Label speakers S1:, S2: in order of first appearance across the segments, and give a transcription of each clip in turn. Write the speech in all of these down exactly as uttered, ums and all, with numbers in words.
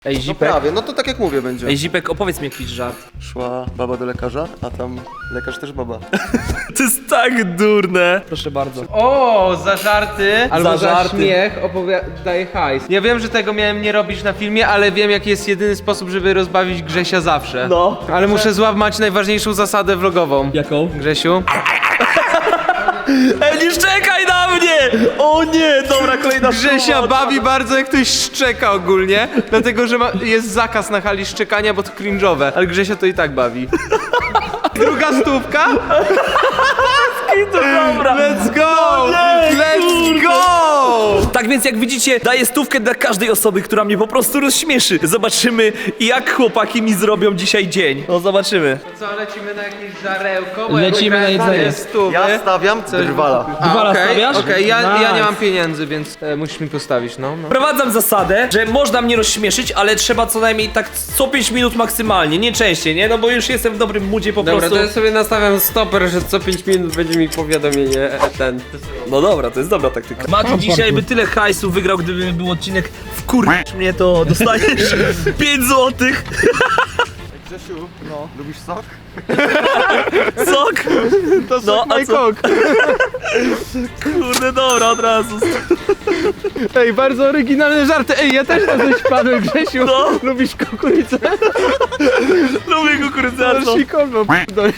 S1: Ej,
S2: No
S1: Zipek,
S2: prawie, no to tak jak mówię będzie.
S1: ej, Zipek, opowiedz mi jakiś żart.
S2: Szła baba do lekarza, a tam lekarz też baba.
S1: To jest tak durne. Proszę bardzo.
S3: O, za żarty albo
S1: Za
S3: za,
S1: żarty.
S3: śmiech daje hajs. Ja wiem, że tego miałem nie robić na filmie, ale wiem, jaki jest jedyny sposób, żeby rozbawić Grzesia zawsze.
S1: No.
S3: Ale muszę złamać najważniejszą zasadę vlogową.
S1: Jaką?
S3: Grzesiu?
S1: Ej, nie szczekaj na mnie! O nie, dobra, kolejna
S3: Grzesia
S1: próba.
S3: bawi bardzo, jak ktoś szczeka ogólnie, dlatego, że ma, jest zakaz na hali szczekania, bo to cringe'owe, ale Grzesia to i tak bawi. Druga stówka?
S1: To dobra.
S3: Let's go!
S1: nie,
S3: Let's
S1: kurde.
S3: go!
S1: Tak więc jak widzicie, daję stówkę dla każdej osoby, która mnie po prostu rozśmieszy. Zobaczymy, jak chłopaki mi zrobią dzisiaj dzień. No zobaczymy.
S3: Co, lecimy na jakieś żarełko? Bo
S4: Lecimy
S3: ja
S4: na
S3: wygrałem
S4: jedzenie.
S3: dwie stówy.
S2: Ja stawiam drwala.
S3: A,
S4: Dwala
S3: okej,
S4: stawiasz?
S3: Okej, ja, ja nie
S4: Nice.
S3: mam pieniędzy, więc e, musisz mi postawić, no. no.
S1: Wprowadzam zasadę, że można mnie rozśmieszyć, ale trzeba co najmniej tak co pięć minut maksymalnie, nie częściej, nie? No bo już jestem w dobrym moodzie po
S5: Dobra,
S1: prostu.
S5: to ja sobie nastawiam stoper, że co pięć minut będzie mi powiadomienie e, ten.
S1: No dobra, to jest dobra taktyka. Mati dzisiaj by tyle hajsu wygrał, gdyby był odcinek w kur... mnie to dostaniesz pięć złotych.
S2: Grzesiu, no. Lubisz sok?
S1: Sok?
S3: To
S1: No, a co?
S3: Kok.
S1: Kurde, dobra, od razu.
S3: Ej, bardzo oryginalne żarty. Ej, ja też na coś padłem, Grzesiu.
S1: No.
S3: Lubisz kukurydzę?
S1: Lubię kukurydziarną.
S3: Sikolno, p***dolę.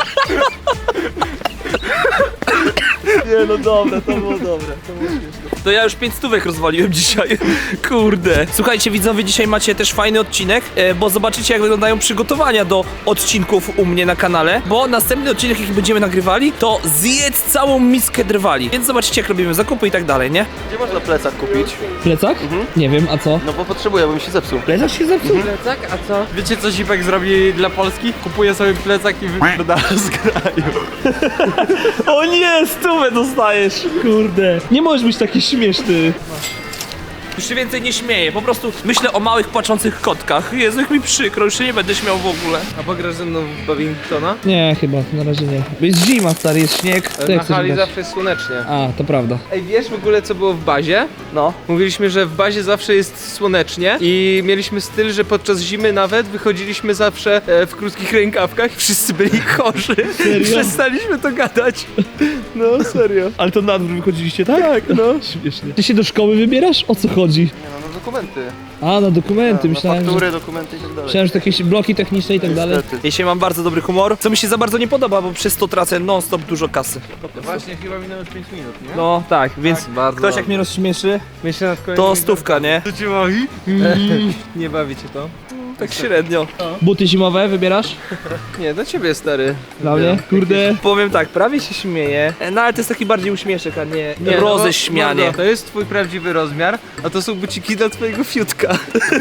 S1: Nie no dobra, to było dobre, to było śmieszne. To ja już pięć stówek rozwaliłem dzisiaj. Kurde. Słuchajcie widzowie, dzisiaj macie też fajny odcinek, e, bo zobaczycie jak wyglądają przygotowania do odcinków u mnie na kanale. Bo następny odcinek jaki będziemy nagrywali, to zjedz całą miskę drwali. Więc zobaczycie jak robimy zakupy i tak dalej, nie?
S2: Gdzie można plecak kupić?
S4: Plecak? Nie wiem, a co?
S2: No bo potrzebuję, bo mi się zepsuł.
S4: Plecak się zepsuł?
S5: Plecak, a co? Wiecie co Zipek zrobi dla Polski? Kupuje sobie plecak i wypierdala z kraju.
S1: O nie, stówę dostajesz.
S4: Kurde. Nie możesz być taki śmieszny.
S1: Już się więcej nie śmieję, po prostu myślę o małych płaczących kotkach. Jezu, jak mi przykro, już się nie będę śmiał w ogóle.
S3: A pograsz ze mną w badmintona?
S4: Nie, chyba, na razie nie. Jest zima, stary, jest śnieg. To
S3: Na
S4: jak chcesz
S3: hali
S4: grać?
S3: zawsze jest słonecznie.
S4: A, to prawda.
S3: Ej, wiesz w ogóle co było w bazie?
S1: No.
S3: Mówiliśmy, że w bazie zawsze jest słonecznie i mieliśmy styl, że podczas zimy nawet wychodziliśmy zawsze e, w krótkich rękawkach i wszyscy byli chorzy. Przestaliśmy to gadać. No, serio.
S4: Ale to na dwór wychodziliście, tak? Tak, no. Śmiesznie. Ty się do szkoły wybierasz? O co chodzi?
S2: Nie no, no dokumenty.
S4: A, na dokumenty,
S2: No,
S4: myślałem,
S2: faktury,
S4: że...
S2: dokumenty i tak dalej.
S4: Myślałem, że to jakieś bloki techniczne i tak dalej.
S2: Niestety.
S1: Dzisiaj mam bardzo dobry humor, co mi się za bardzo nie podoba, bo przez to tracę non-stop dużo kasy.
S3: Właśnie chyba minęło pięć minut, nie?
S1: No tak, więc
S3: bardzo
S1: ktoś jak
S3: dobrze.
S1: mnie rozśmieszy,
S3: Myślę nad kolejnymi
S1: to stówka, nie?
S3: To cię bawi? Nie bawi cię to?
S1: Tak średnio.
S4: Buty zimowe wybierasz?
S3: Nie, do ciebie stary.
S4: Dla mnie? Kurde.
S1: Powiem tak, prawie się śmieję, no ale to jest taki bardziej uśmieszek, a nie,
S3: Nie, no bo-
S1: roześmianie.
S3: mordo, to jest twój prawdziwy rozmiar, a to są buciki dla twojego fiutka.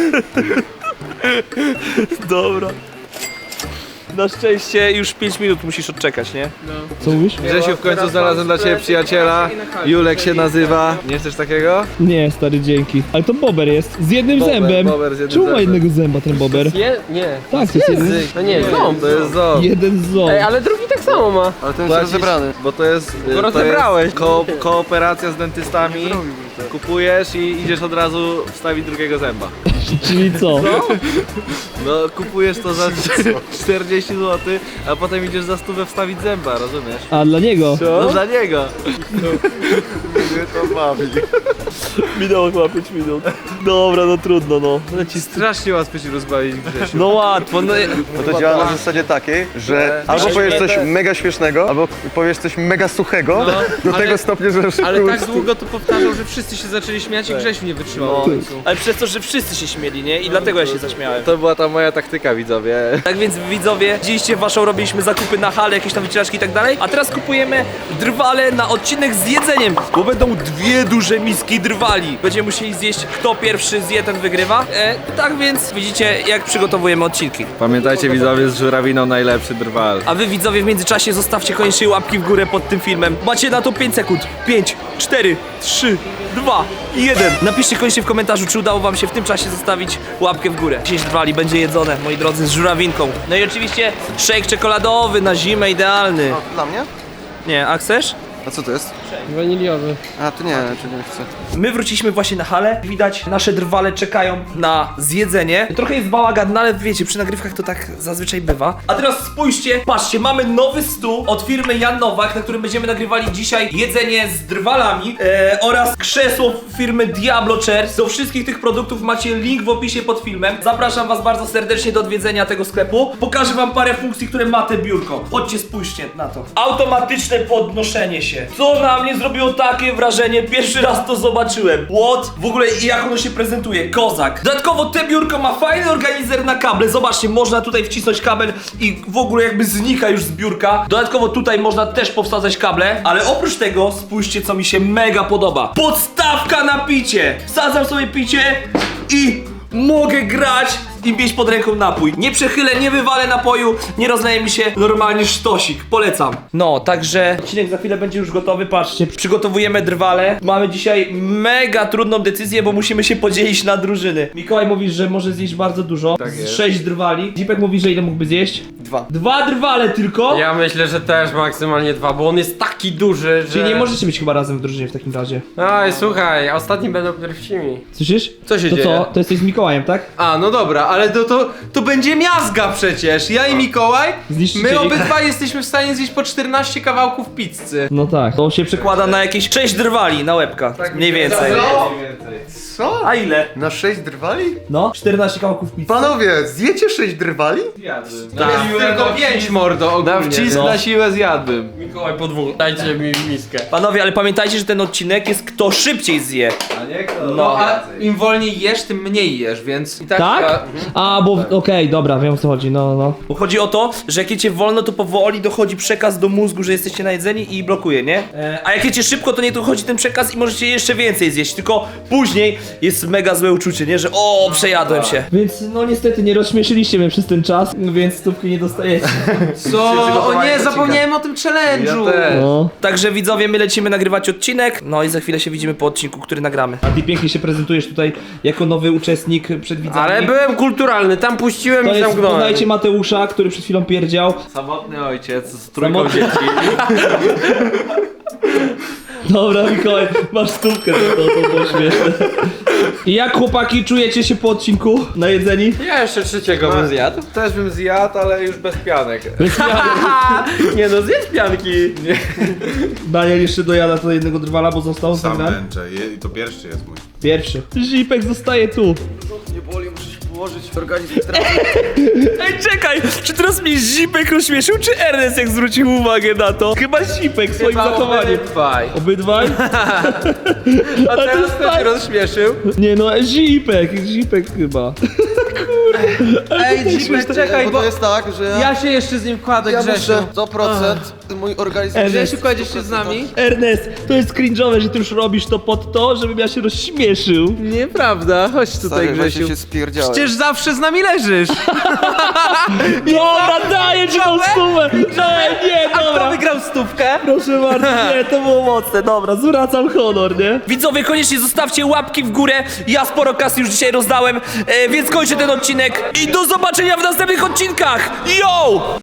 S1: Dobra. Na szczęście już pięć minut musisz odczekać, nie?
S4: Co mówisz?
S3: Grzesiu, w końcu znalazłem dla ciebie przyjaciela. Julek się nazywa. Nie chcesz takiego?
S4: Nie, stary, dzięki. Ale to bober jest. Z jednym
S3: Bober,
S4: zębem.
S3: bober z jednym
S4: Czemu ma
S3: zębem.
S4: jednego zęba ten bober?
S5: Je? Nie.
S4: Tak, to jest jeden,
S5: No nie, ząb.
S3: To jest ząb.
S4: jeden ząb.
S5: Ej, ale drugi tak samo ma.
S2: Ale ten jest
S3: Płacisz-
S2: rozebrany.
S3: Bo to jest, y, to
S5: rozebrałeś.
S3: jest ko kooperacja z dentystami. Kupujesz i idziesz od razu wstawić drugiego zęba.
S4: Czyli co?
S3: No kupujesz to za czterdzieści złotych, a potem idziesz za stówę wstawić zęba, rozumiesz?
S4: A, dla niego?
S3: No dla niego.
S2: Mnie to bawi.
S1: Minęło chyba pięć minut. Dobra, no trudno, no.
S3: Leci strasznie łatwo się rozbawić, Grzesiu.
S1: No łatwo, no.
S2: Bo to działa na zasadzie takiej, że albo
S3: Myślisz,
S2: powiesz
S3: że
S2: coś
S3: te-
S2: mega śmiesznego, albo powiesz coś mega suchego, do
S3: ale-
S2: tego stopnia, że już
S3: Ale tak
S2: kurde,
S3: długo to powtarzał, że wszyscy się zaczęli śmiać i Grzesiu nie wytrzymał.
S1: No,
S3: w końcu.
S1: ale przez to, że wszyscy się śmieli, nie? I dlatego ja się zaśmiałem.
S3: To była ta moja taktyka, widzowie.
S1: Tak więc widzowie, widzieliście waszą, robiliśmy zakupy na hale, jakieś tam wycieraczki i tak dalej, a teraz kupujemy drwale na odcinek z jedzeniem, bo będą dwie duże miski drwali. Będziemy musieli zjeść, kto pierwszy zje, ten wygrywa. E, tak więc widzicie, jak przygotowujemy odcinki.
S3: Pamiętajcie, widzowie, z żurawiną najlepszy drwal.
S1: A wy widzowie w międzyczasie zostawcie koniecznie łapki w górę pod tym filmem. Macie na to pięć sekund. pięć, cztery, trzy, dwa, jeden. Napiszcie koniecznie w komentarzu, czy udało wam się w tym czasie zostawić łapkę w górę. dziesięć drwali będzie jedzone, moi drodzy, z żurawinką. No i oczywiście shake czekoladowy na zimę, idealny.
S2: Dla mnie?
S1: Nie, a chcesz?
S2: A co to jest?
S3: Waniliowy.
S2: A, to nie, to nie chcę.
S1: My wróciliśmy właśnie na halę. Widać, nasze drwale czekają na zjedzenie. Trochę jest bałagan, no ale wiecie, przy nagrywkach to tak zazwyczaj bywa. A teraz spójrzcie, patrzcie, mamy nowy stół od firmy Jan Nowak, na którym będziemy nagrywali dzisiaj jedzenie z drwalami e, oraz krzesło firmy Diablo Chairs. Do wszystkich tych produktów macie link w opisie pod filmem. Zapraszam was bardzo serdecznie do odwiedzenia tego sklepu. Pokażę wam parę funkcji, które ma te biurko. Chodźcie, spójrzcie na to. Automatyczne podnoszenie się. Co na mnie zrobiło takie wrażenie? Pierwszy raz to zobaczyłem. What? W ogóle i jak ono się prezentuje? Kozak. Dodatkowo te biurko ma fajny organizer na kable. Zobaczcie, można tutaj wcisnąć kabel i w ogóle jakby znika już z biurka. Dodatkowo tutaj można też powsadzać kable. Ale oprócz tego, spójrzcie, co mi się mega podoba. Podstawka na picie. Wsadzam sobie picie i mogę grać i mieć pod ręką napój. Nie przechylę, nie wywalę napoju, nie rozleje mi się normalnie sztosik. Polecam. No, także odcinek za chwilę będzie już gotowy. Patrzcie, przygotowujemy drwale. Mamy dzisiaj mega trudną decyzję, bo musimy się podzielić na drużyny. Mikołaj mówi, że może zjeść bardzo dużo.
S5: Tak jest.
S1: Sześć drwali. Zipek mówi, że ile mógłby zjeść?
S2: Dwa.
S1: Dwa drwale tylko?
S5: Ja myślę, że też maksymalnie dwa, bo on jest taki duży, że...
S1: Czyli nie możecie być chyba razem w drużynie w takim razie.
S5: Oj, słuchaj, ostatni będą pierwszymi.
S1: Słyszysz?
S3: Co się
S1: to
S3: dzieje?
S1: co? To jesteś z Mikołajem, tak?
S3: A, no dobra, ale to, to, to będzie miazga przecież. Ja i Mikołaj,
S1: Zniszczycieli.
S3: my obydwa jesteśmy w stanie zjeść po czternaście kawałków pizzy.
S1: No tak. To się przekłada na jakieś sześć drwali na łebka. Mniej więcej.
S2: Co? Co?
S1: A ile?
S2: Na sześć drwali?
S1: No, czternaście kawałków pizzy.
S2: Panowie, zjecie sześć drwali?
S3: To jest tylko pięć, mordo, ogólnie.
S5: Na wcisk
S3: No.
S5: na siłę zjadłbym. Mikołaj po dwóch, dajcie mi miskę.
S1: Panowie, ale pamiętajcie, że ten odcinek jest kto szybciej zje.
S5: A nie kto?
S3: No, a im wolniej jesz, tym mniej jesz, więc i tak...
S1: Tak?
S3: Ja,
S1: A, bo okej, dobra, wiem o co chodzi, no, no. Bo chodzi o to, że jak jecie wolno, to powoli dochodzi przekaz do mózgu, że jesteście najedzeni i blokuje, nie? E, a jak jecie szybko, to nie dochodzi ten przekaz i możecie jeszcze więcej zjeść, tylko później jest mega złe uczucie, nie? Że o, przejadłem się. Więc no niestety nie rozśmieszyliście mnie przez ten czas, więc stówki nie dostajecie.
S3: Co? O nie, zapomniałem o tym challenge'u.
S5: Ja też.
S1: No. Także widzowie, my lecimy nagrywać odcinek, no i za chwilę się widzimy po odcinku, który nagramy. A ty pięknie się prezentujesz tutaj jako nowy uczestnik przed widzami.
S5: Ale byłem kulturalny, tam puściłem
S1: To
S5: i
S1: jest,
S5: zamknąłem.
S1: poznajcie Mateusza, który przed chwilą pierdział.
S5: Samotny ojciec z
S1: trójką
S5: trójką dzieci.
S1: Dobra, Mikołaj, masz stówkę, to, to, to było śmieszne. I jak chłopaki czujecie się po odcinku najedzeni?
S5: Ja jeszcze trzeciego bym zjadł.
S3: Też bym zjadł, ale już bez pianek.
S5: Nie no, zjedz pianki.
S1: Daniel jeszcze dojada do jednego drwala, bo został z
S6: Sam
S1: nami.
S6: męczę Je- i to pierwszy jest mój.
S1: Pierwszy. Zipek zostaje tu.
S2: Nie boli, muszę się położyć, organizm
S1: Ej, czekaj! Czy teraz mnie Zipek rozśmieszył, czy Ernest jak zwrócił uwagę na to? Chyba Zipek swoim zachowaniem.
S3: Obydwaj.
S1: Obydwaj?
S3: A
S1: to
S3: teraz
S1: jest
S3: kto
S1: tak-
S3: się rozśmieszył?
S1: Nie no, Zipek, Zipek chyba.
S3: Ej, Zipek, czekaj,
S2: Bo
S3: bo
S2: to jest tak, że ja,
S3: ja się jeszcze z nim kładę,
S2: ja
S3: Grzesiu.
S2: muszę sto procent mój organizm...
S3: Grzesiu, kładziesz się z nami?
S1: Ernest, to jest cringe'owe, że ty już robisz to pod to, żebym ja się rozśmieszył.
S3: Nieprawda, chodź tutaj,
S2: Stary,
S3: Grzesiu.
S2: właśnie się spierdziałem.
S3: Przecież zawsze z nami leżysz.
S1: Dobra, daję ci tą stówę! Daję, nie,
S3: A kto
S1: dobra!
S3: wygrał stówkę?
S1: Proszę bardzo, nie, to było mocne, dobra, zwracam honor, nie? Widzowie, koniecznie zostawcie łapki w górę, ja sporo kasy już dzisiaj rozdałem, e, więc kończę ten odcinek i do zobaczenia w następnych odcinkach! Yo!